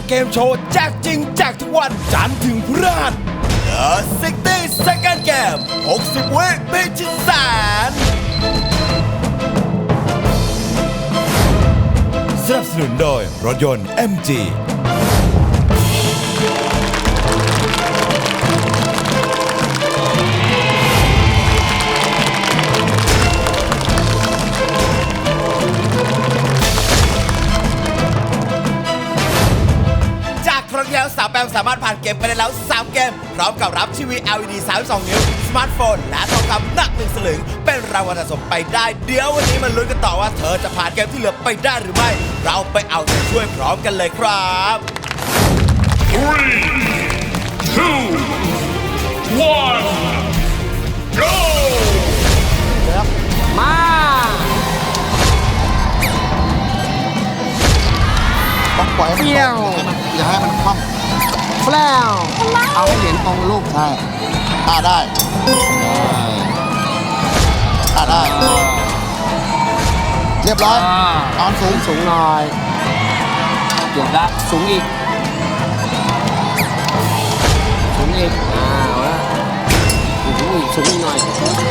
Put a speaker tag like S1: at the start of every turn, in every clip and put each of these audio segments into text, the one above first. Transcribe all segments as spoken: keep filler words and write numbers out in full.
S1: เกมโชว์แจกจริงแจกทุกวันจันทร์ถึงพฤหัส The หกสิบ Second Game หกสิบ วิพิชิตแสนสนับสนุนโดยรถยนต์ เอ็ม จีครั้งที่แล้วสาวแปมสามารถผ่านเกมไปได้แล้วสามเกมพร้อมกับรับทีวี แอล อี ดี สามสิบสอง นิ้วสมาร์ทโฟนและทองคำหนักหนึ่งสลึงเป็นรางวัลสะสมไปได้เดี๋ยววันนี้มาลุ้นกันต่อว่าเธอจะผ่านเกมที่เหลือไปได้หรือไม่เราไปเอาใจช่วยพร้อมกันเลยครับ
S2: three two one go
S3: มา
S4: ต้องปล่อยให้มันตรงอย่าให้มันคว่ำ
S3: แฟลวเอาให้เหรียญตรงลูก
S4: ใช่อ่าได้อ่าได้ เรียบร้อยตอนสูง
S3: สูงหน่อยเดี๋ยวละสูงอีกสูงอีกอ้าวละสูงอีกสูงอีกหน่อย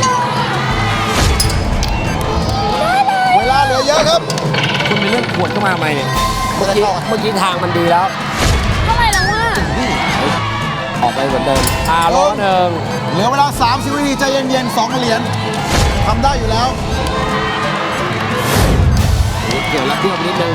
S4: เวลาเหลือเยอะครับ
S3: คุณเป็นเรื่องขวดเข้ามาใหม่เนี่ยเมื่อกี้เมื่อกี้ทางมันดีแล้ว
S5: เท่าไหร่แล้วว่า
S3: ออกไปเหมือนเดิมอ่าล้อหนึ่ง
S4: เหลือเวลาสามสิบวินาทีใจเย็นๆสองเหรียญทำได้อยู่แล้ว
S3: เกี่ยวแล้วเทียบนิดนึง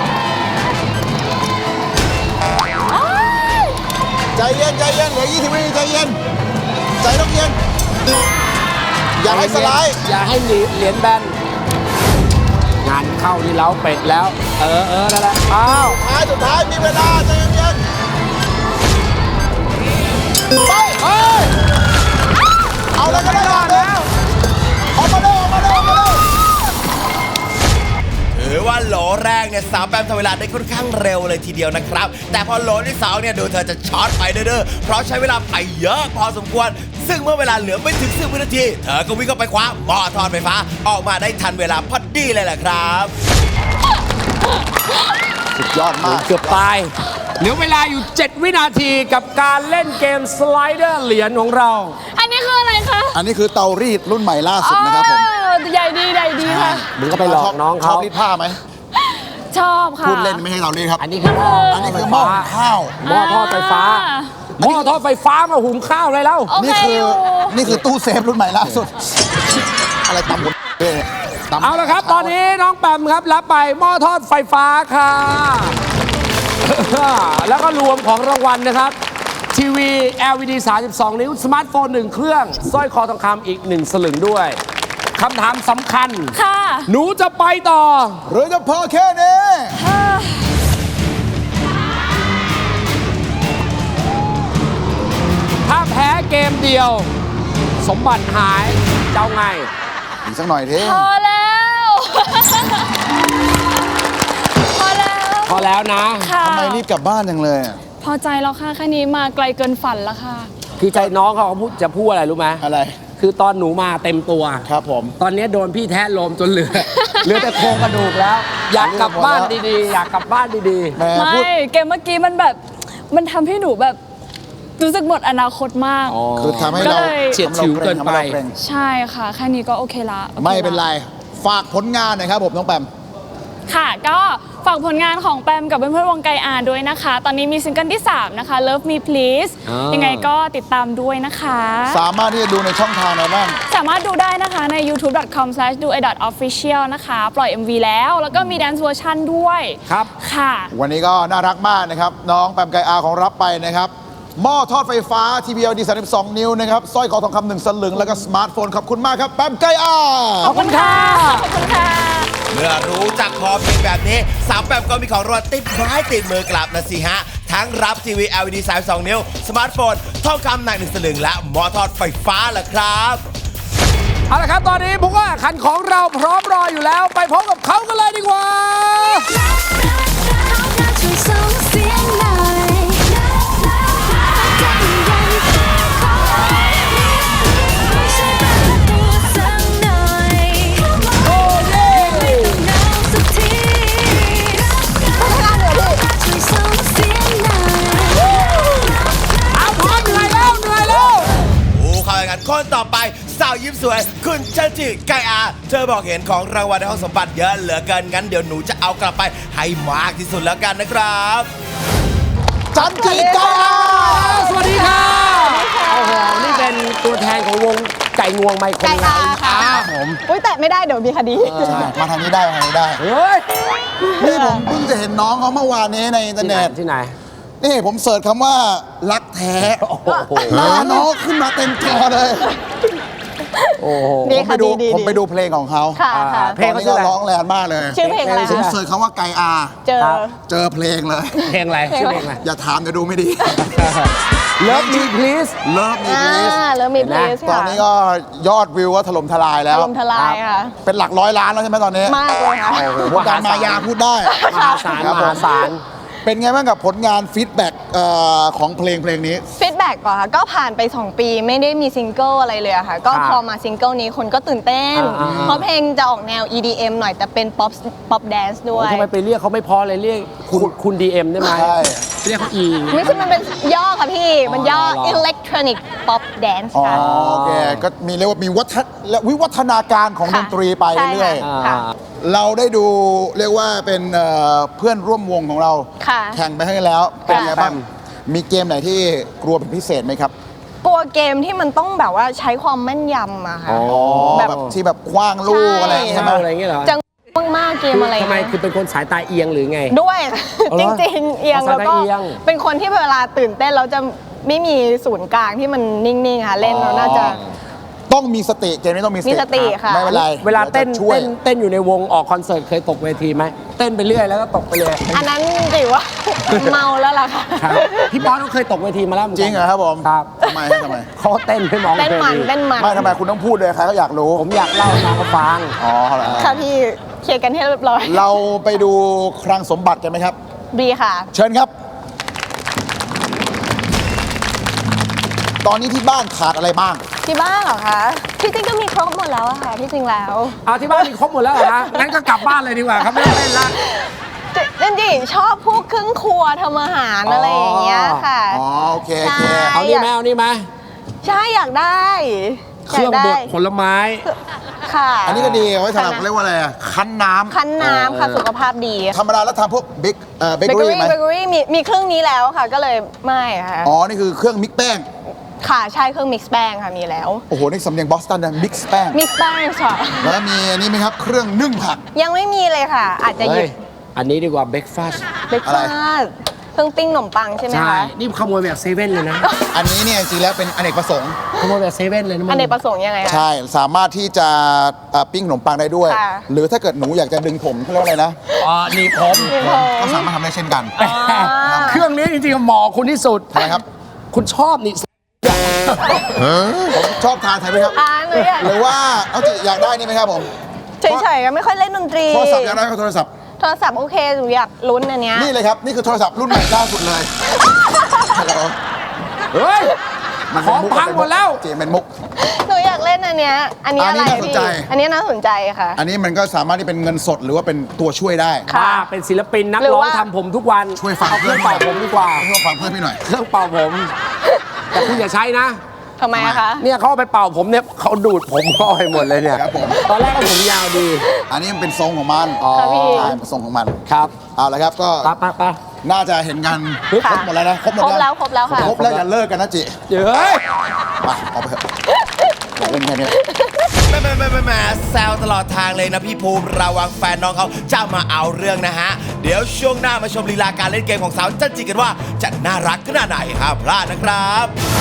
S4: ใจเย็นใจเย็นเหลือยี่สิบวินาทีใจเย็นใจต้องเย็นอย่าให้สไลด์
S3: อย่าให้เหรียญแบนงานเข้าที่เล้าเป็ดแล้ว เออเออนั่นแหละอ้าว
S4: ท้ายสุดท้ายมีเวลาใจเย็นๆไปเฮ้ยเอาแล้วก็ได้แล้วออกมาเร็วออกมาเร็วออกมาเร็ว
S1: ถือว่าโหลแรกเนี่ยสาวแปมทำเวลาได้ค่อนข้างเร็วเลยทีเดียวนะครับแต่พอโหลที่สองเนี่ยดูเธอจะช็อตไปเด้อๆเพราะใช้เวลาไปเยอะพอสมควรซึ่งเมื่อเวลาเหลือไม่ถึงสิบวินาทีเธอก็วิ่งเข้าไปคว้าหม้อทอดไฟฟ้าออกมาได้ทันเวลาพอดีเลยแหละครับ
S4: สุดยอดมาก
S3: เกือบตายเหลือเวลาอยู่ เจ็ด วินาทีกับการเล่นเกมสไลเดอร์เหรียญของเรา
S5: อันนี้คืออะไรคะ
S4: อันนี้คือเตารีดรุ่นใหม่ล่าสุดนะครับผม
S5: อ๋อใหญ่ดีใหญ่ดีค่ะ
S3: มึงก็ไปหลอกน้อง
S4: ชอ
S3: เขา
S4: บรีดผ้าไหม
S5: ชอบค่ะ
S4: พูดเล่นไม่ใช่เตารีดครับ
S3: อันนี้คือ
S4: อันนี้คือหม้อหุงข้าว
S3: หม้อทอดไฟฟ้าหม้อทอดไฟฟ้ามาหุงข้าวเลยแล้ว
S5: โอเค
S4: นี่คือ
S5: อยู่
S4: นี่คือตู้เซฟรุ่นใหม่ล่าสุด อะไรตำหมดเลยเนี่ยตำ
S3: เอาละครับ ตอนนี้น้องแปมครับรับไปหม้อทอดไฟฟ้าค่ะ แล้วก็รวมของรางวัลนะครับ ทีวี แอล อี ดี สามสิบสอง นิ้วสมาร์ทโฟนหนึ่งเครื่องสร้อยคอทองคำอีกหนึ่งสลึงด้วยคำถามสำคัญ
S5: ค่ะ
S3: หนูจะไปต่อ
S4: หรือจะพอแค่นี้
S3: ถ้าแพ้เกมเดียว สมบัติหายเจ้าไง
S4: อีกสักหน่อยเท่
S5: พอแล้ว พอแล้ว
S3: พอแล้วนะ
S5: ค่ะ
S4: ทำไมรีบกลับบ้านจังเลยอะ
S5: พอใจแล้วค่ะแค่นี้มาไกลเกินฝันแล้วค่ะ
S3: คือใจน้องเขาพูดจะพูดอะไรรู้ไหม
S4: อะไร
S3: คือตอนหนูมาเต็มตัว
S4: ครับผม
S3: ตอนนี้โดนพี่แทะลมจนเหลือ เหลือแต่โครงกระดูกแล้ว อยากกลับบ้านดีๆ อยากกลับบ้านดี
S4: แหม่
S5: ไม่
S4: พูด
S5: เกมเมื่อกี้มันแบบ มันทำให้หนูแบบรู้สึกหมดอนาคตมาก
S3: ๆ
S4: คือทำให้เรา
S5: ก็เลย
S3: เฉียดฉิวเกินไป
S4: ทำให้ราเกรง
S5: ใช่ค่ะ แค่นี้ก็โอเคละโอคละ
S4: ไม่เป็นไร ฝากผลงานหน่อยครับผมน้องแปม
S5: ค่ะ ก็ฝากผลงานของแปมกับเพื่อนๆวงไกอาด้วยนะคะ ตอนนี้มีซิงเกิลที่ สาม นะคะ Love Me Please
S3: อ่ายั
S5: ยังไงก็ติดตามด้วยนะคะ
S4: สามารถที่จะดูในช่องทางไหนบ้าง
S5: สามารถดูได้นะคะใน ยูทูบ ดอท คอม สแลช ดูไอ ดอท ออฟฟิเชียล นะคะ ปล่อย เอ็ม วี แล้ว แล้วก็มีแดนซ์เวอร์ชันด้วย
S3: ครับ
S5: ค่ะ
S4: วันนี้ก็น่ารักมากนะครับ น้องแปมไกอาของรับไปนะครับ หม้อทอดไฟฟ้า ที วี แอล อี ดี สามสิบสอง นิ้วนะครับสร้อยคอทองคำหนึ่งสลึงแล้วก็สมาร์ทโฟนขอบคุณมากครับแปมไกอา
S3: ขอบคุณค่ะ
S5: ขอบคุณค่ะ
S1: เมื่อรู้จักพอเพียงแบบนี้สาวแปมก็มีของรางวัลติดไม้ติดมือกลับนะสิฮะ ทั้งรับทีวี แอล อี ดี สามสิบสอง นิ้ว สมาร์ทโฟนทองคำหนักหนึ่งสลึงและหม้อทอดไฟฟ้าล่ะครับ
S3: เอาละครับ ตอนนี้ผมว่าคันของเราพร้อมรออยู่แล้ว ไปพบกับเขากันเลยดีกว่า
S6: ช่วยส่งเสียงหน่อยจะยิ่งใหญ่ขอช่วยเปิดตัวสักหน่อยโอ้เย่หนาวสักทีช่วยส่งเสียง
S1: สวยคุณจันจิไกอาเธอบอกเห็นของรางวัลในห้องสมบัติเยอะเหลือเกินงั้นเดี๋ยวหนูจะเอากลับไปให้มากที่สุดแล้วกันนะครับ
S4: จันจิไกอา
S3: สวัสดีค่ะโอ้โหนี่เป็นตัวแทนของวงไก่งวงไมโคร
S7: ไก่อาค่ะ
S3: ครับผม
S7: อุ้ยแต่ไม่ได้เดี๋ยวมีคดี
S4: ใช่มาทางนี้ได้มาทางนี้ได้
S3: เฮ้ย
S4: นี่ผมเพิ่งจะเห็นน้องเขาเมื่อวานนี้ในอินเทอร์เน็ต
S3: ที่ไหน
S4: นี่ผมเสิร์ชคำว่ารักแท้
S3: โอ้โห
S4: หน้าน้องขึ้นมาเต็มจอเลย
S3: โอ้โห
S7: ดี
S4: ผมไป
S7: ค่ะ
S4: ดู
S7: ดีดี
S4: ผมไปดูเพลงของเขา
S7: ค่ะค่ะ
S3: เพลง
S4: ตอน
S3: เขา
S4: นี้
S3: ชื่ออะไร
S4: ก็ร้องแรงมากเลย
S7: ชื่อเพลงอะไร
S4: ผม
S7: คะ
S4: เสิร์ชคำว่าไกอา
S7: เจอ
S3: ครับ
S4: เจอเพลงเลย
S3: เพลงอะไรชื่อเพลงอะไร
S4: อย่าถามเดี๋ยวดูไม่ดี
S3: Love Me Please
S4: เลิฟมี
S7: อ่า
S4: พลีส
S7: แล้วมีเพลส
S4: ตอ
S7: ค่ะ
S4: นนี้ก็ยอดวิวก็ถล่มทลายแล้ว
S7: ลมทลายค่ะ
S4: เป็นหลักร้อยล้านแล้วใช่ไหมตอนนี้
S7: มากเลยค่ะ
S4: โอ้โหวงการมายาพูดได้
S3: มหาศาล
S4: ครับ
S3: ม
S4: ผม
S3: หาศาล
S4: เป็นไงบ้างกับผลงานฟีดแบ็กของเพลงเพลงนี้
S7: ฟีดแบ็กก่อนค่ะ ก็ผ่านไป สอง ปีไม่ได้มีซิงเกิลอะไรเลยอะค่ะ ก็
S3: ครับ
S7: พอมาซิงเกิลนี้คนก็ตื่นเต้น
S3: อ่าๆ
S7: เพราะเพลงจะออกแนว อี ดี เอ็ม หน่อยแต่เป็นป๊อปป๊อปแดนซ์ด้วย
S3: ทำไมไปเรียกเขาไม่พอเลยเรียกคุณคุณดีเอ็มได้ไหม
S4: ใช่
S3: เรียกเขาอี
S7: ไม่ใช่มันเป็นย่อค่ะพี่ มันย่อ
S3: อ๋อเหรอ
S7: Electronic Pop Dance
S4: อ๋อ
S7: ค่ะ
S4: โอเค ก็มีเรียกว่ามีวัฒนและวิวัฒนาการของด
S7: ค่ะ
S4: นตรีไป
S7: ใช่
S4: เรื่อย
S7: ค่ะ
S3: อ่า
S4: ๆ เราได้ดูเรียกว่าเป็นเอ่อเพื่อนร่วมวงของเรา
S7: ค่ะ
S4: แข่งไปให้แล้ว เป็นไงบ้าง
S3: แปม
S4: มีเกมไหนที่กลัวเป็นพิเศษไหมครับ
S7: กลัวเกมที่มันต้องแบบว่าใช้ความแม่นยำอะค่ะ
S3: อ๋อ
S7: แบบ
S4: แบบที่แบบคว้างลูกอะไรอย่างงี้ใช่ไหม
S3: อะไรอย่างเงี้ยเหรอ
S7: จังมากๆเกมอะไร
S3: ทำไม
S7: เงี้ย
S3: คือเป็นคนสายตาเอียงหรือไง
S7: ด้วย
S3: เอา
S7: จ
S3: เหรอ
S7: ริงๆ เอียง
S3: เอาสาย
S7: แล้วก็
S3: ตาเอียง
S7: เป็นคนที่เวลาตื่นเต้นแล้วจะไม่มีศูนย์กลางที่มันนิ่งๆค่ะเล่นแล้วน่าจะ
S4: ต้องมีสติเกมนี้ต้องมี
S7: มีสติค่ะ
S4: ไม่เป็นไร
S3: เวลาเต้น
S4: ดี๋ยวจะช่วย
S3: เต้นเต้นอยู่ในวงออกคอนเสิร์ตเคยตกเวทีไหมเต้นไปเรื่อยแล้วก็ตกไปเลย
S7: อันนั้นถือว่า เมาแล้วล่ะค่ะ
S3: ครับพี่บอสก็เคยตกเวทีมาแล้วเหมือน
S4: จ
S3: กัน
S4: ริงเหรอครับผม
S3: ครับ
S4: ทำไมฮะทำไม
S3: เขาเต้นไม่มอง
S7: เต้นมัน
S3: วที
S7: เต้นมัน
S4: ไม่ทำไมคุณต้องพูดเลยใครก็อยากรู้
S3: ผมอยากเล่าให้น้องเขาฟัง
S4: อ๋อเหรอ
S7: ค่ะพี่เคลียร์กันให้เรียบร้อย
S4: เราไปดูคลังสมบัติกันไหมครับ
S7: ดีค่ะ
S4: เชิญครับ ตอนนี้ที่บ้านขาดอะไรบ้าง
S7: ที่บ้านเหรอคะที่จริงก็มีครบหมดแล้วอะค่ะที่จริงแล้ว
S3: เอาที่บ้านมีครบหมดแล้วเหรอฮะงั้นก็กลับบ้านเลยดีกว่าครับไม่ต้องเล่นละ
S7: จริงๆชอบพวกเครื่องครัวทำอาหารอะไรอย่างเงี้ยค่ะ
S4: อ๋อโอเคโอเค
S7: ใช่
S3: เอานี่ไหมเอานี่ไหม
S7: ใช่อยากได้
S3: เครื่องบดผลไม้
S7: ค่ะ
S4: อันนี้ก็ดีเอาไว้สำหรับเรียกว่าอะไรอะคั้นน้ำ
S7: คั้นน้ำค่ะ
S3: เออ
S7: สุขภาพดี
S4: ธรรมดาแล้วทำพวกบิ๊กเอ่อเบ
S7: เบ
S4: เก
S7: เก
S4: อ
S7: อ
S4: รี่
S7: รี่
S4: ไหม
S7: เบเกอรี่มีมีเครื่องนี้แล้วค่ะ ก็เลยไม่ค่ะ
S4: อ๋อ นี่คือเครื่องมิกแป้ง
S7: ค่ะใช่เครื่องมิกซ์แป้งค่ะมีแล้ว
S4: โอ้โห นี่สำเนียงบอสตันนะมิกซ์แป้ง
S7: มิกซ์แป้งค่ะ
S4: แล้วมีอันนี้ไหมครับ เครื่องนึ่งผัก
S7: ยังไม่มีเลยค่ะ อาจจะห
S3: เฮ้
S7: ยิ
S3: ย
S7: บ
S3: อันนี้ดีกว่าเบรกฟาส
S7: เบรก
S4: อะไร
S7: ฟาสต์เครื่องปิ้งขนมปังใช่ไหม
S3: ใช่
S7: คะ
S3: นี่ขโมยแบบเซเว่นเลยนะ
S4: อันนี้เนี่ยจริงๆแล้วเป็นอเนกประสงค์
S3: ขโมยแบบเซเว่นเลยนะมึง
S7: อันเนกประสงค์ยังไงคะ
S4: ใช่ สามารถที่จะเอ่อปิ้งขนมปังได้ด้วย
S7: ค่ะ
S4: หรือถ้าเกิดหนูอยากจะดึงผมเขาเรียกว่าอะไรนะ
S3: อ๋อนี่ผม
S7: มีผม
S4: ก็สามารถทำได้เช่นกัน
S3: เครื่องนี้จริงๆเหมาะคุณที่สุด
S4: ทำไมครับ
S3: คุณชอบนี่
S4: ผมชอบทานไทยไหมครับ
S7: อ่าหนูอยาก
S4: หรือว่าเอาจิอยากได้นี่ไหมครับผม
S7: เฉยๆก็ไม่ค่อยเล่นดนตรี
S4: โทรศัพท์อยากได้ก็โทรศัพท์
S7: โทรศัพท์โอเคหนูอยากลุ้นอันเนี้ย
S4: นี่เลยครับ นี่คือโทรศัพท์รุ่นใหม่ล่าสุดเลยฮัลโหล
S3: เฮ้ย
S4: มัน
S3: ของ
S4: เป็นมุก
S3: พังหมดแล้ว
S4: เจเป็นมุก
S7: หนูอยากเล่นอันเนี้ยอันนี้
S4: อั
S7: อะ
S4: น
S7: ไร
S4: นี้น่าสน
S7: พี่
S4: ใจ
S7: อันนี้น่าสนใจค่ะ
S4: อันนี้มันก็สามารถที่เป็นเงินสดหรือว่าเป็นตัวช่วยได้
S7: ค่ะ
S3: ว่าเป็นศิลปินนัก
S7: หรือ
S3: ร้อง
S7: ว่า
S3: ทำผมทุกวัน
S4: ช่วยฟัง
S3: เอาเครื่องเป่าผมดีกว่า
S4: ช่วยฟังเพื่อนพี่หน่อย
S3: เครื่องเป่าผม แต่คุณอย่าใช้นะ
S7: ทำไมอะคะ
S3: เนี่ยเขาเอาไปเป่าผมเนี่ยเขาดูดผมก็ไปหมดเลยเนี่ย
S4: ครับผม
S3: ตอนแรกก็ผมยาวดี
S4: อันนี้มันเป็นทรงของมัน
S3: อ๋อ
S7: ค่ะพี่
S4: ใช่เป็นทรงของมัน
S3: ครับ
S4: เอาละครับก็
S3: ปะปะปะ
S4: น่าจะเห็นกันคร
S7: ค่ะ
S4: บหมดแล้วนะครบหมด
S7: ครบแล้วครบแล้วค่ะ
S4: ครบแล้วอย่าเลิกกันนะจิ
S3: เฮ้ย
S4: ไปเอาไปเถอะอย่าเล่นแค่นี้
S1: แม่แม่แม่แม่แม่แซวตลอดทางเลยนะพี่ภูมิระวังแฟนน้องเขาจะมาเอาเรื่องนะฮะ เดี๋ยวช่วงหน้ามาชมลีลาการเล่นเกมของสาวจันจิกันว่าจะน่ารักขนาดไหนห้ามพลาดนะครับ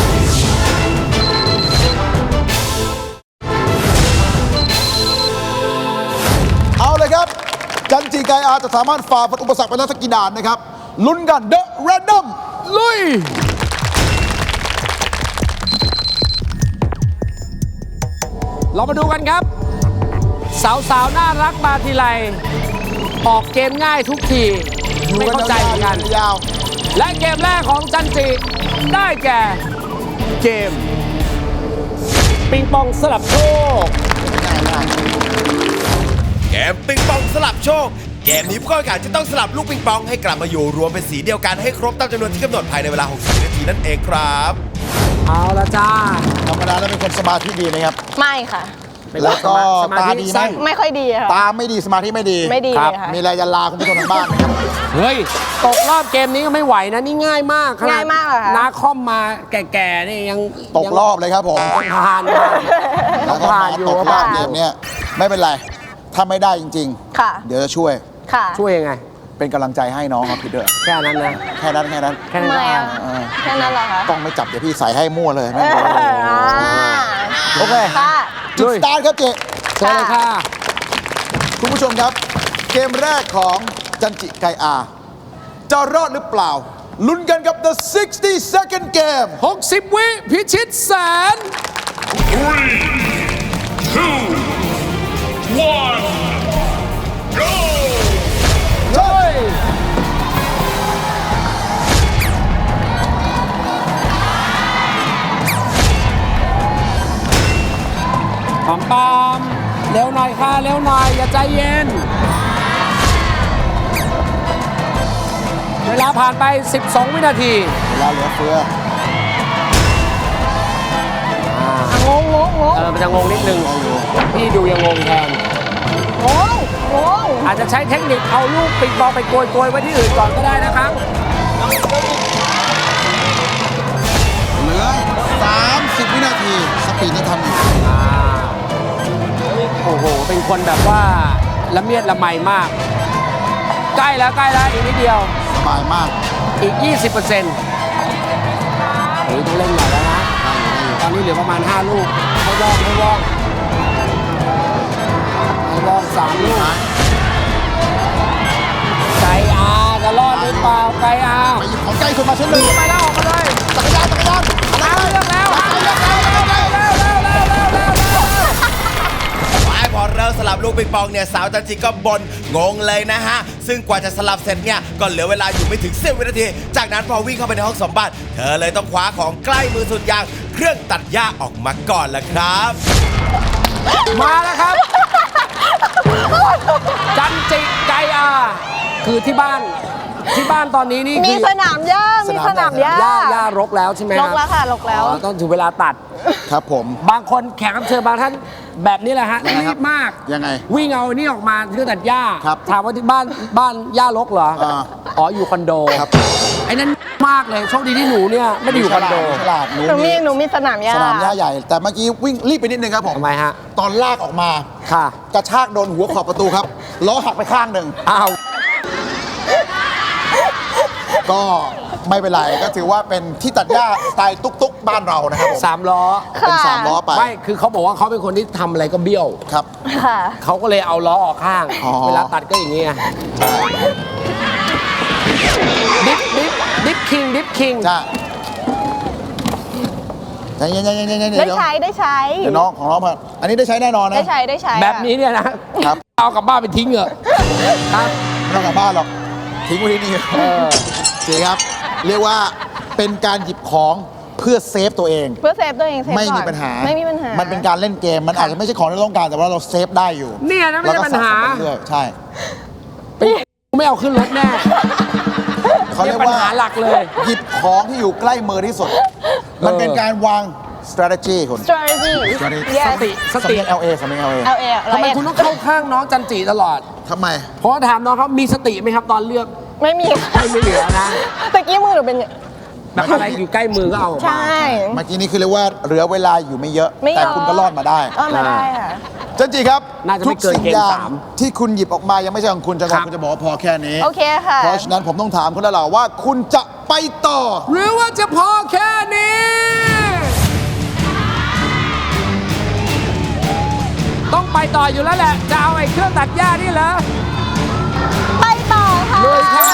S4: เอาเลยครับ จันจีไกอาจะสามารถฝ่าฟันอุปสรรคไปได้สักกี่ด่านนะครับลุ้นกันเดอะแรนดอม
S3: ลุย เรามาดูกันครับ สาวๆ น่ารักมาทีไร ออกเกมง่ายทุกที ไม่เข้าใจเหมือนกัน
S4: ยาว
S3: และเกมแรกของจันจิได้แก่เกม ปิงปองสลับโชค
S1: เกมปิงปองสลับโชค เกมนี้ผู้เข้าแข่งขันจะต้องสลับลูกปิงปองให้กลับมาอยู่รวมเป็นสีเดียวกันให้ครบตามจำนวนที่กำหนดภายในเวลา หกสิบ นาทีนั่นเองครับ
S3: เอาละจ้า
S4: ธรรมดาแล้วเป็นคนสมาธิดีนะครับ
S7: ไม่ค่ะ
S4: แล้วก็
S3: สมา
S4: ตา
S3: ธิ
S4: ดีไหม
S3: สั้น
S7: ไม่ค่อยดีค่ะ
S4: ตาไม่ดีสมาธิไม่ดี
S7: ไม่ดี
S3: ครับ
S7: เลยค่ะ
S4: มีอะไรจะลาคุณผู้ชมทางบ้านไหมครับ
S3: เฮ้ย ตกรอบเกมนี้ก็ไม่ไหวนะ นี่ง่ายมากขนด
S7: ง่ายมากเหรอคะ
S3: นาคอมมาแก่ๆนี่ยัง
S4: ตกรอบเลยครับผม
S3: ยังผ่านอยู่
S4: แล้วก็
S3: ผ่าน
S4: มา
S3: อยู่
S4: ตกรอบเกมเนี้ยไม่เป็นไร ถ้าไม่ได้จริง
S7: ค่ะ
S4: ๆ เดี๋ยวจะช่วย
S7: ค่ะ
S3: ช่วยยังไง
S4: เป็นกำลังใจให้น้องครับพี่เด้อ
S3: แค่นั้นนะ
S4: แค่นั้นแค่นั้น
S3: แค่นั้
S7: ทำ
S3: น
S7: ไม
S3: ก็
S7: อ่ะ
S4: เออ
S7: แค่นั้นเหรอคะ
S4: ต้องไม่จับเดี๋ยวพี่ใส่ให้มั่วเลย
S7: เอ
S4: ไม่
S7: อ
S4: รู้
S7: อ่า
S3: โอเค
S7: ค่ะ
S4: จุดสตาร์ทครับเจ
S3: เชิญเลยค่ะ
S4: คุณผู้ชมครับ เกมแรกของจันจิไกอาจะรอดหรือเปล่า ลุ้นกันกับ the sixty second game
S3: หกสิบ วิพิชิตแสน
S2: Three, two, one, go!
S3: เฮ้ยปอมปอมเร็วหน่อยค่ะ เร็วหน่อย อย่าใจเย็น เวลาผ่านไป สิบสอง วินาที
S4: เวลาเหลือเฟือ
S7: งงงงงง
S3: เออ มันจะงงนิดนึง พี่ดูยังงงแทน
S7: งงงง
S3: อาจจะใช้เทคนิคเอาลูกปิงปองไปโกยโกยๆไว้ที่อื่นก่อนก็ได้นะครับ
S4: เหลือ สามสิบ วินาที สปีดนี่ทันอยู่
S3: โอ้โห เป็นคนแบบว่าละเมียดละไมมาก ใกล้แล้วใกล้แล้วอีกนิดเดียว
S4: สบายมาก
S3: อีก ยี่สิบเปอร์เซ็นต์เฮ้ยต้องเล่นหน่อยแล้วนะ ตอนนี้เหลือประมาณ ห้า ลูก ให้วองให้วองให้วองสามลูก ไกอาจะรอดหรือเปล่า ไกอา
S4: ไปหยิบของใกล้สุดมาชิ้นหนึ่ง
S3: ไปแล้วออกมาเลย
S4: จักรยานจักรยาน
S3: เอาเลือกแล้วเอาเลือกแล้วเร็วเร็วเร็วเร็วเร็วเร็วเร็ว
S1: ไอ้พอเริ่มสลับลูกปิงปองเนี่ยสาวจันจิก็บนงงเลยนะฮะ ซึ่งกว่าจะสลับเสร็จเนี่ยก็เหลือเวลาอยู่ไม่ถึงสิบวินาที จากนั้นพอวิ่งเข้าไปในห้องสมบัติเธอเลยต้องคว้าของใกล้มือสุดอย่างเครื่องตัดหญ้าออกมาก่อนละครับ
S3: มาแล้วครับ จันจิไกอาคือที่บ้านที่บ้านตอนนี้นี่
S7: มี
S3: คือ
S7: สนามหญ้ามีสนามหญ้า
S3: หญ้าหญ้ารกแล้วใช่ไหม
S7: ลกแล้วค่ะลกแล้ว
S3: อ๋อต้องถึงเวลาตัด
S4: ครับผม
S3: บางคนแขกรับเชิญบางท่านแบบนี้แหละฮะ
S4: ยังไงค
S3: รี
S4: รับบ
S3: มาก
S4: ยังไง
S3: วิ่งเอานี่ออกมาเครื่องตัดหญ้า
S4: ครับ
S3: ถามว่าที่บ้านบ้านหญ้ารกเหรอ
S4: อ่า
S3: อ๋ออยู่คอนโด
S4: ครับ
S3: ไอ้นั่นมากเลยโชคดีที่หนูเนี่ยไม่ได้อยู่คอนโด
S4: ฉลาดหนู
S7: หนูมี
S4: มี
S7: หนูมีสนามหญ้า
S4: สนามหญ้าใหญ่ แต่เมื่อกี้วิ่งรีบไปนิดนึงครับผม
S3: ทำไมฮะ
S4: ตอนลากออกมา
S3: ค่ะ
S4: กระชากโดนหัวขอบประตูครับ ล้อหักไปข้างหนึ่ง
S3: อ้าว
S4: ก็ไม่เป็นไร ก็ถือว่าเป็นที่ตัดหญ้าสไตล์ตุ๊กๆ บ้านเรานะครับผม
S3: สามล้อ
S4: เป็นสามล้อไป
S3: ไม่คือเขาบอกว่าเขาเป็นคนที่ทำอะไรก็เบี้ยว
S4: ครับ
S7: ค่ะ
S3: เขาก็เลยเอาล้อออกข้าง
S4: อ๋อ
S3: เวลาตัดก็อย่างเงี้ยดิฟดิฟดิฟคิงดิฟคิง
S4: จ้าใจเย็นๆๆๆๆเดี๋
S7: ได้
S4: ยว
S7: ใช้ได้ใช้
S4: เดี๋ยวน้องของน้องมาอันนี้ได้ใช้แน่นอนนะ
S7: ได้ใช้ได้ใช้
S3: แบบนี้เนี่ยนะครับ เอากลับบ้านไปทิ้งเหรอะครับ
S4: ไม่ต้องกลับบ้านหรอก ทิ้งไว้ที่นี่
S3: เออ
S4: เจ๊ครับ เรียกว่าเป็นการหยิบของเพื่อเซฟตัวเอง
S7: เพื่อเซฟตัวเองเซฟก่อน
S4: ไม่มีปัญหา
S7: ไม่มีปัญหา
S4: มันเป็นการเล่นเกม มันอาจจะไม่ใช่ของที่เราต้องการ แต่ว่าเราเซฟได้อยู่
S3: เนี่ยนะไม่ใช่ปัญหา
S4: แล้วก็สะสมไปเรื่อยใช่
S3: ไม่เอาขึ้นรถแน่
S4: เขาเรียก
S3: ปัญ
S4: ว่า
S3: หาหลักเลย
S4: หยิบของที่อยู่ใกล้มือที่สุด มันเป็นการวาง strategy คุณ
S7: strategy
S4: strategy
S7: yes
S3: สติส
S4: สำ
S3: ติ
S4: เนียง แอล เอ สำเนียง แอล เอ
S7: L A
S3: ทำไมคุณต้องเข้าข้างน้องจันจิตลอด
S4: ทำไม
S3: เพราะว่าถามน้องเขามีสติไหมครับตอนเลือก
S7: ไม่มี
S3: ไม่ไม่เหลือนะ
S7: ตะกี้มือหนูเป็น
S3: แบบอะไรอยู่ใกล้มือก็เอาออกมา
S7: ใช่
S4: เมื่อกี้นี้คือเรียกว่าเหลือเวลาอยู่ไม่เยอะ
S7: ไม่เยอะ
S4: แต่คุณก็รอดมาได้
S7: ก็มาได้ค่ะ
S4: จันจิครับ
S3: น่าจะ
S4: ทุ
S3: ไม่
S4: ก
S3: เกิน
S4: สิ่ง
S3: เกณ
S4: อ
S3: ฑ์
S4: ย่าง
S3: สาม
S4: ที่คุณหยิบออกมายังไม่ใช่ของคุณจังห
S3: ครั
S4: วะ
S3: บ
S4: คุณจะบอกว่าพอแค่นี้
S7: โอเคค่ะ
S4: เพราะฉะนั้นผมต้องถามคุณแล้วล่ะว่าคุณจะไปต่อ
S3: หรือว่าจะพอแค่นี้ ต้องไปต่ออยู่แล้วแหละ จะเอาไอ้เครื่องตัดหญ้านี่เหรอ
S7: ไปต่อค่ะ
S3: ลุยค่ะ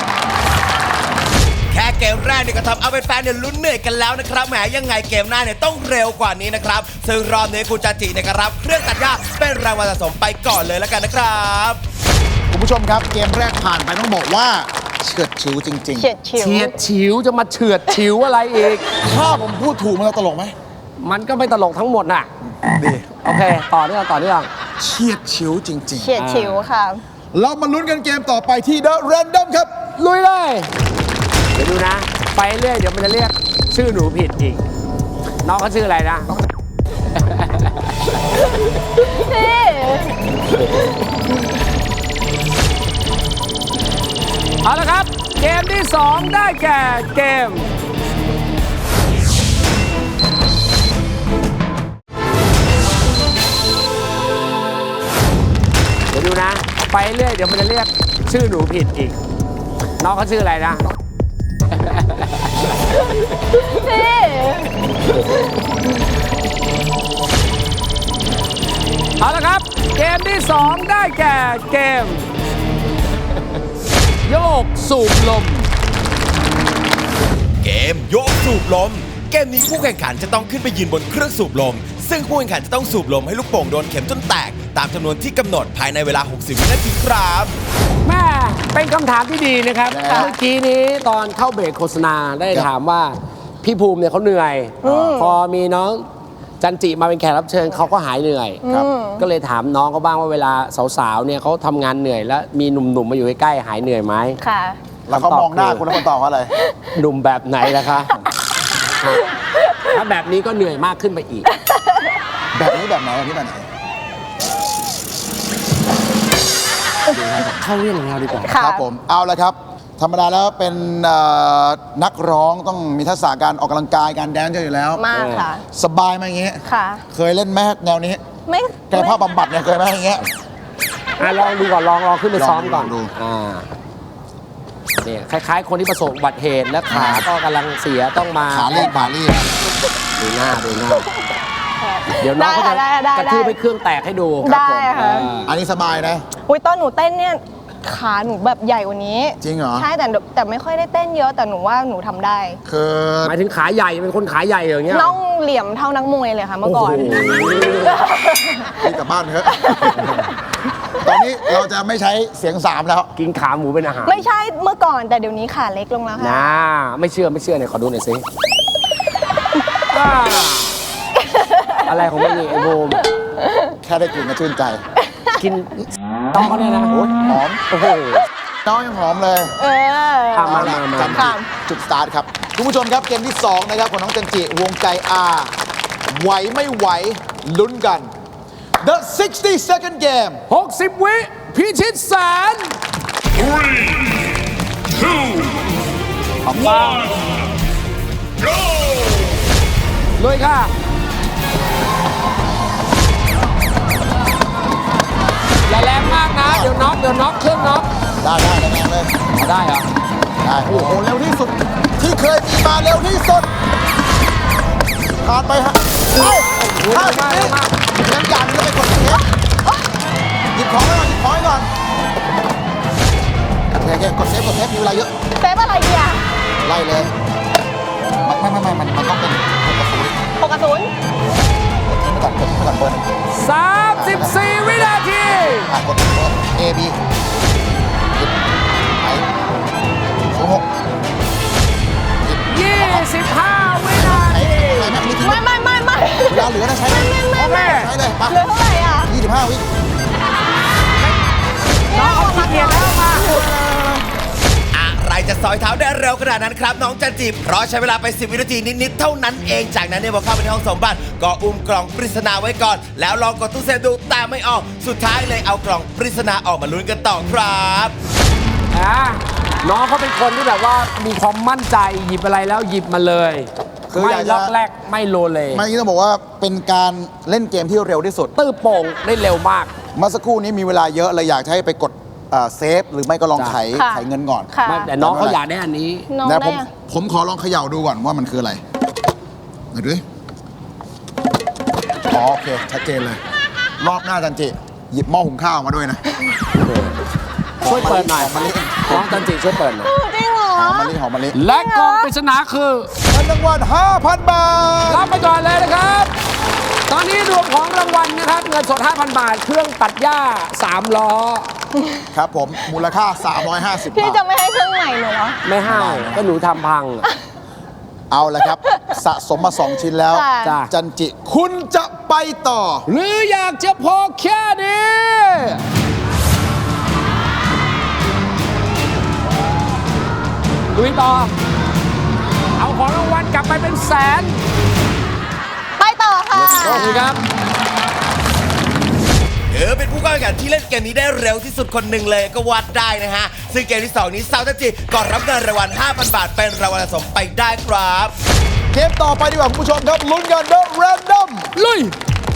S1: แค่เกมแรกเนี่ยก็ทำเอาเป็นแฟนเนี่ยลุ้นเหนื่อยกันแล้วนะครับแหมยังไงเกมหน้าเนี่ยต้องเร็วกว่านี้นะครับซึ่งรอบนี้คุณจันจิเนี่ยก็รับเครื่องตัดหญ้าเป็นรางวัลสะสมไปก่อนเลยแล้วกันนะครับ
S4: คุณผู้ชมครับเกมแรกผ่านไปต้องบอกว่าเฉือดฉิวจริง
S7: เฉียดฉิว
S3: เฉียดฉิวจะมาเฉือดฉิวอะไรอีก
S4: ๆ ถ้าผมพูดถูกมันจะตลกไหม
S3: มันก็ไม่ตลกทั้งหมดน่ะ
S4: ดี
S3: โอเค ต่อเนื่องต่อเนื่อง
S4: เฉียดฉิวจริง
S7: เฉียดฉิวค่ะ
S4: ๆ เรามาลุ้นกันเกมต่อไปที่ The Random ครับ
S3: ลุยเลย เดี๋ยวดูนะ ไปเรื่อยเดี๋ยวมันจะเรียกชื่อหนูผิดอีก น้องเขาชื่ออะไรนะ
S7: พี่
S3: เอาละครับ เกมที่สองได้แก่เกม เดี๋ยวดูนะ ไปเรื่อยเดี๋ยวมันจะเรียกชื่อหนูผิดอีก น้องเขาชื่ออะไรนะ
S7: พี่
S3: เอาละครับ เกมที่สองได้แก่เกม โยกสูบลม
S1: เกมโยกสูบลม เกมนี้ผู้แข่งขันจะต้องขึ้นไปยืนบนเครื่องสูบลม ซึ่งผู้แข่งขันจะต้องสูบลมให้ลูกโป่งโดนเข็มจนแตก ตามจำนวนที่กำหนดภายในเวลา หกสิบ วินาทีครับ
S3: แม่เป็นคำถามที่ดีนะครับ
S4: ยังไงฮะ
S3: เมื่อกี้นี้ตอนเข้าเบรกโฆษณาได้
S4: ครับ
S3: ถามว่าพี่ภูมิเนี่ยเขาเหนื่อย พอมีน้องจันจิมาเป็นแขกรับเชิญเขาก็หายเหนื่อย
S4: ครับ
S3: ก็เลยถามน้องเขาบ้างว่าเวลาสาวๆเนี่ยเขาทำงานเหนื่อยแล้วมีหนุ่มๆมาอยู่ใกล้ๆหายเหนื่อยไหม
S7: ค่ะ
S4: แล้วเขามองหน้าคุณแล้วคนตอบว่าอะไร
S3: หนุ่มแบบไหนล่ะคะ ถ้าแบบนี้ก็เหนื่อยมากขึ้นไปอีก
S4: แบบนี้แบบไหนแบบนี้แบบไหน
S3: เข้าเรื่องของเราดีกว่า
S7: ค่ะ
S4: ครับผมเอาละครับ ธรรมดาแล้วเป็นเอ่อนักร้องต้องมีทักษะการออกกำลังกายการแดนซ์อยู่แล้ว
S7: มากค่ะ
S4: สบายไหมอย่างเงี้ย
S7: ค่ะ
S4: เคยเล่นแมแนวนี้
S7: ไม่
S4: กายภาพบำบัดเนี่ยเคยไหมอย่างเงี้ย
S3: อ่ะลองดูก่อนลองลองขึ้นไปซ้อมก่อน
S4: ลองดู
S3: อ่าเนี่ยคล้าย ๆ คนที่ประสบอุบัติเหตุและขาก็กำลังเสียต้องมา
S4: ขาลีบขาลีบ
S3: ดูหน้าดูหน้า เดี๋ยวน้องเขาจะ
S7: ได้ค่ะได้ได้
S3: กระทืบให้เครื่องแตกให้ดู
S7: ได้ค่ะ
S3: อ่า
S4: อันนี้สบายนะ
S7: อุ้ยตอนหนูเต้นเนี่ยขาหนูแบบใหญ่กว่านี้
S4: จริงเหรอ
S7: ใช่แต่แต่ไม่ค่อยได้เต้นเยอะแต่หนูว่าหนูทำได้
S4: คือ
S3: หมายถึงขาใหญ่เป็นคนขาใหญ่อย่างเงี้ย
S7: น่องเหลี่ยมเท่านักมวยเลยค่ะเมื่อก่อน
S3: โอ้โห
S4: รีบกลับบ้านเถอะ ตอนนี้เราจะไม่ใช้เสียงสามแล้ว
S3: กินขาหมูเป็นอาหาร
S7: ไม่ใช่เมื่อก่อนแต่เดี๋ยวนี้ขาเล็กลงแล้วค่ะ
S3: นะไม่เชื่อไม่เชื่อเนี่ยขอดูหน่อยสิอ่าอะไรของมันนี่ไอ้บูม
S4: แค่ได้กลิ่นก็ชื่นใจ
S3: กินต้องเขาเนี่ยนะ
S4: โอ้ยหอม
S3: โอ้โห
S4: น้องยังหอมเลย
S7: เออ
S3: อ่ะมา
S4: เอละ
S3: มา
S4: จันจิ
S7: ค่ะ
S4: จุดสตาร์ทครับ คุณผู้ชมครับเกมที่ สอง นะครับของน้องจันจิวงไกอาไหวไม่ไหวลุ้นกัน The sixty second game
S3: หกสิบวิพิชิตแสน
S2: Three, two,
S3: ออกมา
S2: one, go!
S3: เลยค่ะ อย่าแรงมากนะ เดี๋ยวน็อกเดี๋ยวน็อกเครื่องน็อก
S4: ได้ได้แรงๆเลย
S3: ได้เหรอ
S4: ได้โอ้โหเร็วที่สุด ที่เคยมีมาเร็วที่สุดผ่านไปฮะเอ้าห้าสิบวิงั้นอย่างนี้ก็ไปกดเซฟหยิบของไว้ก่อนหยิบของไว้ก่อนโอเคโอเคกดเซฟกดเซฟมีเวลาเยอะ
S7: เซฟอะไรดีอ่ะ
S4: ไล่เลยไม่ไม่ไม่มันมันต้องเป็นหกกับศูนย์
S7: หกกับศูนย์
S4: กดทิ้งไปก่อนกดทิ้งไปก่อนเบอร์หนึ่ง
S3: สามสิบสี่วินาที
S4: อ่ะกดเบอร์ A B หยิบไปศูนย์หกหยิบ
S3: ยี่สิบห้าวินา
S4: ไอ้
S3: ที
S4: ไอ้แม็กนี่ทิ้ง
S7: ไม่ไม่ไม่ไม่
S4: เวลาเหลือนะใช้เลย
S7: ไม่ไม่
S3: โอเค
S7: ไม่
S4: ใช้เลยไป
S7: เหลือเท่าไหร่อ่ะ
S4: ยี่สิบห้าวิ
S3: น้องเขาขี้เกียจแล้วมา
S1: อะไรจะสอยเท้าได้เร็วขนาดนั้นครับ น้องจันจิเพราะใช้เวลาไป สิบ วินาทีนิด ๆ เท่านั้นเองจากนั้นเนี่ยพอเข้าไปในห้องสมบัติ ก็อุ้มกล่องปริศนาไว้ก่อน แล้วลองกดตู้เซฟดูแต่ไม่ออก สุดท้ายเลยเอากล่องปริศนาออกมาลุ้นกันต่อครับ
S3: อ่ะน้องเขาเป็นคนที่แบบว่ามีความมั่นใจหยิบอะไรแล้วหยิบมาเลย
S4: คือ
S3: ไม่
S4: อยากจะ
S3: ล็อกแรกไม่โลเล
S4: เมื่อกี้ต้องบอกว่าเป็นการเล่นเกมที่เร็วที่สุด
S3: ตื้อโป่งได้เร็วมาก
S4: เมื่อสักครู่นี้มีเวลาเยอะเลยอยากจะให้ไปกดเอ่อเซฟ หรือไม่ก็ลอง
S3: จ้ะ
S4: ไข
S7: ค่ะ
S4: ไขเงินก่อน
S7: ค่ะ
S3: ไม่แต่น้องเขาอยากได้อันนี้
S7: น้อง
S4: นะผ
S7: ได้
S4: ม
S7: อะ
S4: ผมขอลองเขย่าดูก่อนว่ามันคืออะไรมาดูดิอ๋อโอเค ชัดเจนเลย รอบหน้าจันจิ หยิบหม้อหุงข้าวมาด้วยนะ
S3: ช่วยเปิดหน่อย
S4: หอมมะลิ
S3: น้องจันจิช่วยเปิดหน่อย
S7: จริงเหรอ
S4: หอมมะลิหอมมะลิ
S3: และกล่องปริศนาคือ
S4: เงินรางวัลห้าพัน บาท
S3: รับไปก่อนเลยนะครับ ตอนนี้รวมของรางวัลนะครับ เงินสด ห้าพัน บาท เครื่องตัดหญ้า สาม ล้อ
S4: ครับผม มูลค่า สามร้อยห้าสิบ
S7: พี่
S4: บาท
S7: จะไม่ให้เครื่องใหม่หนูเหรอ
S3: ไม่ให้ก็หนูทำพัง
S4: เอาละครับ สะสมมาสองชิ้นแล้ว
S7: ค่ะ
S3: จ้ะ
S4: จันจิ คุณจะไปต่อ
S3: หรืออยากจะพอแค่นี้ลุยต่อ เอาของรางวัลกลับไปเป็นแสน
S7: ไปต่อค่ะ
S3: สวัสดีครับ
S1: ถือเป็นผู้เข้าแข่งขันที่เล่นเกมนี้ได้เร็วที่สุดคนหนึ่งเลยก็วัดได้นะฮะ ซึ่งเกมที่สองนี้สาวจันจิก็รับเงินรางวัล ห้าพัน บาทเป็นรางวัลสะสมไปได้ครับ
S4: เกมต่อไปดีกว่าคุณผู้ชมครับลุ้นกันเดอะแรนดอม
S3: ลุย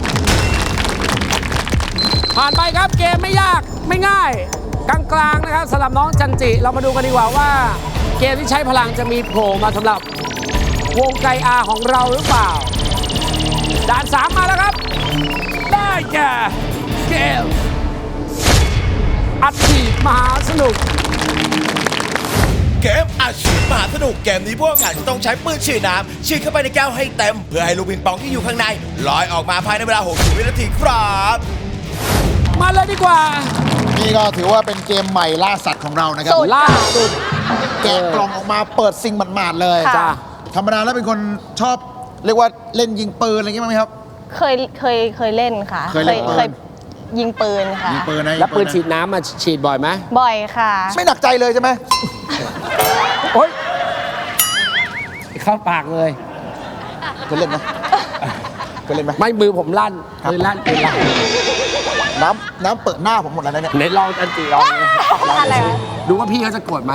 S3: ผ่านไปครับเกมไม่ยากไม่ง่าย กลางๆนะครับสำหรับน้องจันจิ เรามาดูกันดีกว่าว่า เกมที่ใช้พลังจะมีโผล่มาสำหรับวงไกอาของเราหรือเปล่า ด่านสามมาแล้วครับ ได้แก่เกมอัดฉีดมหาสนุก
S1: เกมอาชีพมหาสนุกเกมนี้พวกแข่งขันจะต้องใช้ปืนฉีดน้ำฉีดเข้าไปในแก้วให้เต็ม เพื่อให้ลูกปิงปองที่อยู่ข้างในลอยออกมาภายในเวลา หกสิบ วินาทีครับ
S3: มาเลยดีกว่า
S4: นี่ก็ถือว่าเป็นเกมใหม่ล่าสัตว์ของเรานะครับ
S7: สุด
S3: ล่าสุด
S4: แกะกล่องออกมาเปิดซิงหมาดๆเลย
S7: ค่ะ
S3: จ้า
S4: ธรรมดาแล้วเป็นคนชอบเรียกว่าเล่นยิงปืนอะไรอย่างเงี้ยมั้ยครับ
S7: เคยเคยเคยเล่นค่ะ
S4: เคยเล่นปืน
S7: เคยยิงปืนค่ะ
S4: ยิงปืนนะ
S3: แล้วปืน
S4: ยิงะ
S3: ฉีดน้ำมาฉีดบ่อยไหม
S7: บ่อยค่ะ
S4: ไม่หนักใจเลยใช่ไหม
S3: โอ๊ยเข้าปากเลย
S4: เคยเล่นไหมเคยเล่นไหม
S3: ไม่มือผมลั่น
S4: ครับ
S3: ปืนลั่นปืนลั่น
S4: น้ำน้ำเปิดหน้าผมหมดแล้วนะเนี่ย
S3: ไหนลองจันจิลองดูลอง
S7: อะไร
S3: ดู
S7: วะ
S3: ดูว่าพี่เขาจะโกรธไหม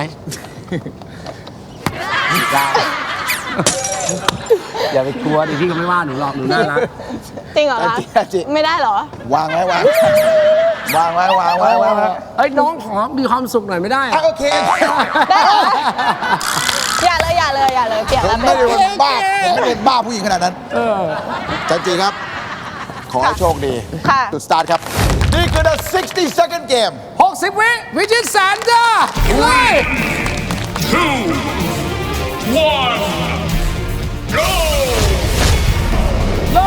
S3: ได้อย่าไปกลัวดิพี่เขาไม่ว่าหนูหรอกหนูน่ารัก
S7: จริงเหรอคะ
S4: จริงจริง
S7: ไม่ได้เหรอ
S4: วางไว้วางวางไว้วางไว้วางไว้
S3: เอ้ยน้องขอมีความสุขหน่อยไม่ได้
S4: อ่ะ
S3: อะ
S4: โอเค
S7: ได้เหรอ อย่าเลยอย่าเลยอย่าเลยเปลี่ยน
S4: ผม
S7: แล้วเป
S4: ไม่
S7: ลี่ยน
S4: ได้
S7: แล้ว
S4: เป็นบ้าผมไม่ได้เป็นบ้าผู้หญิงขนาดนั้น
S3: เออ
S4: จันจีครับ ขอให้โชคดี
S7: ค่ะ
S4: จุดสตาร์ทครับ นี่คือ the sixty second game
S3: หกสิบ วิวิจิตรแสนจ้าเลย
S2: two, one, go!
S3: เลย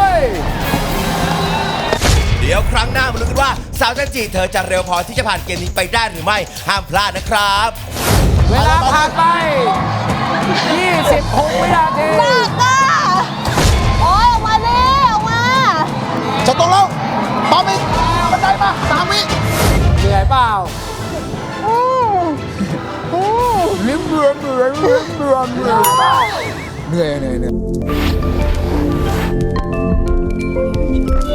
S1: เดี๋ยวครั้งหน้ามาลุ้นกันว่าสาวจันจิเธอจะเร็วพอที่จะผ่านเกมนี้ไปได้หรือไม่ห้ามพลาดนะครับ
S3: เวลาผ่านไป ยี่สิบหก วินาที
S7: มากอ่ะโอ้ยออกมาดิออกมา
S4: จะตรงแล้วปั๊มอีกบันไดมาสามวิ
S3: เหนื่อยเปล่า
S7: อืมอืม
S3: ลิ้มเบื่อเบื่อลิ้มเบื่อเบื่อ
S4: เหนื่อยเหนื่อยเหนื่อย